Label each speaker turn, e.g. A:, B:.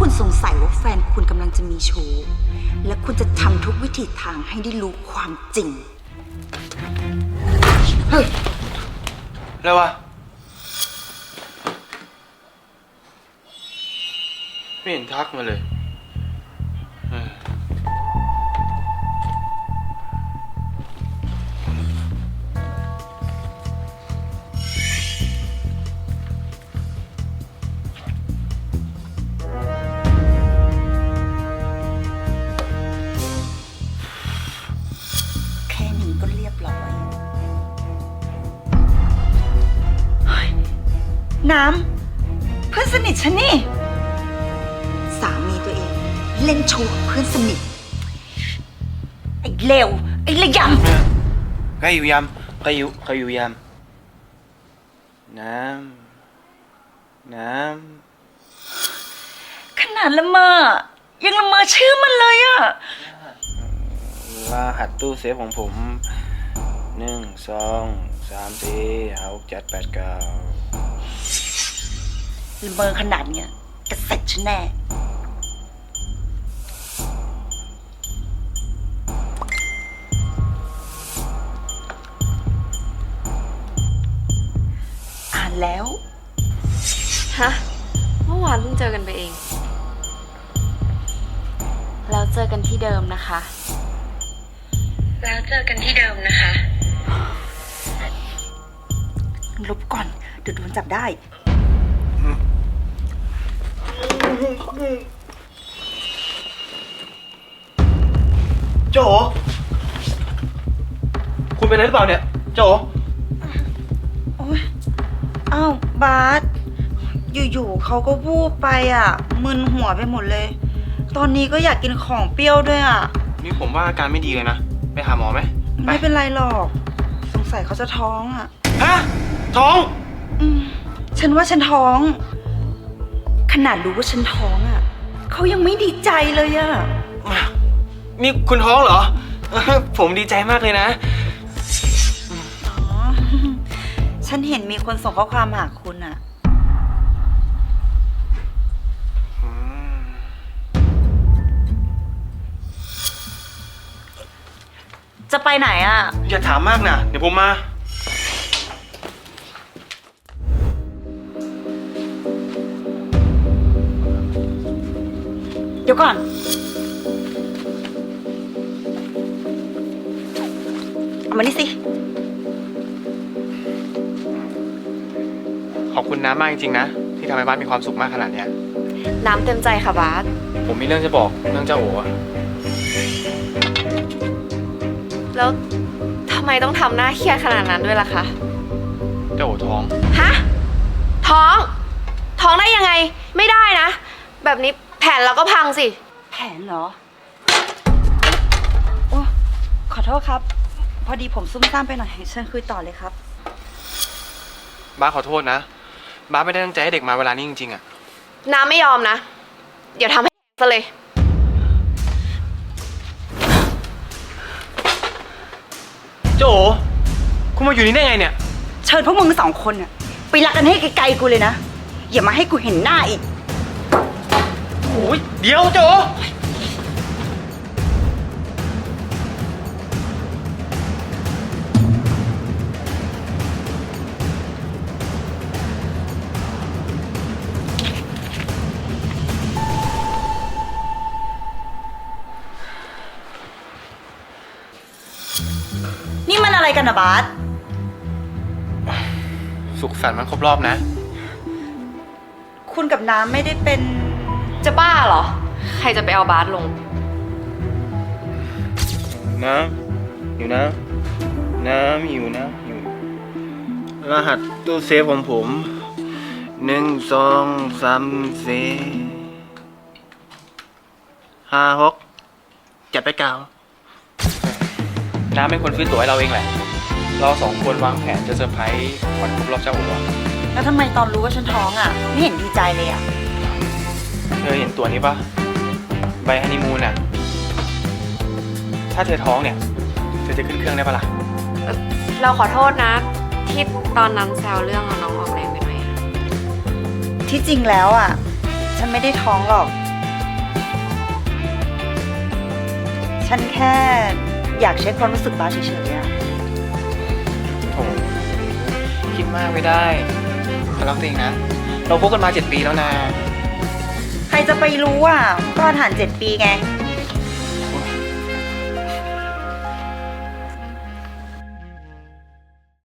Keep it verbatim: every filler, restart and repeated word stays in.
A: คุณสงสัยว่าแฟนคุณกำลังจะมีชู้และคุณจะทำทุกวิถีทางให้ได้รู้ความจริง
B: เฮ้ยอะไรวะไม่เห็นทักมาเลย
A: แค่นี้ก็เรียบร้อยน้ำเพื่อนสนิทฉันนี่สามีตัวเองเล่นชู้กับเพื่อนสนิทไอ้เลวไอ้ระยำ
B: ใครอยู่ยำใครอยู่ใครอยู่ยำน้ำน้
A: ำขนาดละเมอยังละเมอชื่อมันเลยอะ
B: รหัสตู้เซฟของผมหนึ่งสองสามสี่ห้าหกเจ็ดแปดเก้า
A: ละเมอขนาดเนี้ยจะเสร็จฉันแน่อ่านแล้ว
C: ฮะเมื่อวานเพิ่งเจอกันไปเองแล้วเจอกันที่เดิมนะคะแล้วเจอกันที่เดิมนะคะ
A: ลบก่อนเดี๋ยวโดนจับได้
B: โจคุณเป็นอะไรหรือเปล่าเนี่ยโจ
A: โอ๊ยอ้าวบาสอยู่ๆเขาก็วูบไปอ่ะมึนหัวไปหมดเลยตอนนี้ก็อยากกินของเปรี้ยวด้วยอ่ะ
B: นี่ผมว่าอาการไม่ดีเลยนะไปหาหมอไหม
A: ไม่เป็นไรหรอกสงสัยเขาจะท้องอ่ะ
B: ฮะท้อง
A: อืมฉันว่าฉันท้องขนาดรู้ว่าฉันท้องอ่ะเขายังไม่ดีใจเลยอ่ะ
B: นี่คุณท้องเหรอผมดีใจมากเลยนะ
A: อ๋อฉันเห็นมีคนส่งข้อความหาคุณอ่ะจะไปไหนอ่ะ
B: อย่าถามมากนะเดี๋ยวผมมา
A: เดี๋ยวก่อนเอามานี่สิ
B: ขอบคุณน้ำมากจริงๆนะที่ทำให้บ้านมีความสุขมากขนาดนี้
C: น้ำเต็มใจค่ะบาส
B: ผมมีเรื่องจะบอกเรื่องเจ้าโอ๋
C: แล้วทำไมต้องทำหน้าเครียดขนาดนั้นด้วยล่ะคะ
B: เจ้าโอ๋ท้อง
C: ฮะท้องท้องได้ยังไงไม่ได้นะแบบนี้แผนเราก็พังสิ
A: แผนเหรอโอ้ขอโทษครับพอดีผมซุ่มซ่ามไปหน่อยเชิญคุยต่อเลยครับ
B: บ้าขอโทษนะบ้าไม่ได้ตั้งใจให้เด็กมาเวลานี้จริงๆอะ
C: น้ำไม่ยอมนะเดี๋ยวทำให้ซะเลย
B: โจคุณมาอยู่นี่ได้ไงเนี่ย
A: เชิญพวกมึงสองคนน่ะไปรักกันให้ไกลๆกูเลยนะอย่ามาให้กูเห็นหน้าอีก
B: โอ้ยเดี๋ยวโจ
A: นี่มันอะไรกันนะบาส
B: สุขสันต์มันครบรอบนะ
A: คุณกับน้ำไม่ได้เป็น
C: จะบ้าเหรอใครจะไปเอาบาสลง
B: น้ำอยู่นะน้ำอยู่นะอยู่รหัสตู้เซฟของผมหนึ่งสองสามสี่ห้าหกเจ็ดแปดเก้าน้ำเป็นคนซื้อตั๋วให้เราเองแหละเราสองคนวางแผนจะเซอร์ไพรส์วันครบรอบเจ้าโอ๋
A: แล้วทำไมตอนรู้ว่าฉันท้องอ่ะไม่เห็นดีใจเลยอ่ะ
B: เธอเห็นตั๋วนี้ปะใบฮันนีมูนอ่ะถ้าเธอท้องเนี่ยเธอจะขึ้นเครื่องได้ปะล่ะ
C: เราขอโทษนะที่ตอนนั้นแซวเรื่องเอาน้องออกแรงไปหน่อย
A: ที่จริงแล้วอ่ะฉันไม่ได้ท้องหรอกฉันแค่อยากเช็คความรู้สึกบาสเฉยๆอะ
D: โถคิดมากไม่ได้ขอรักตัวเองนะ เราคบกันมาเจ็ดปีแล้วนะ
A: ใครจะไปรู้อ่ะก็ผ่านเจ็ดปีไง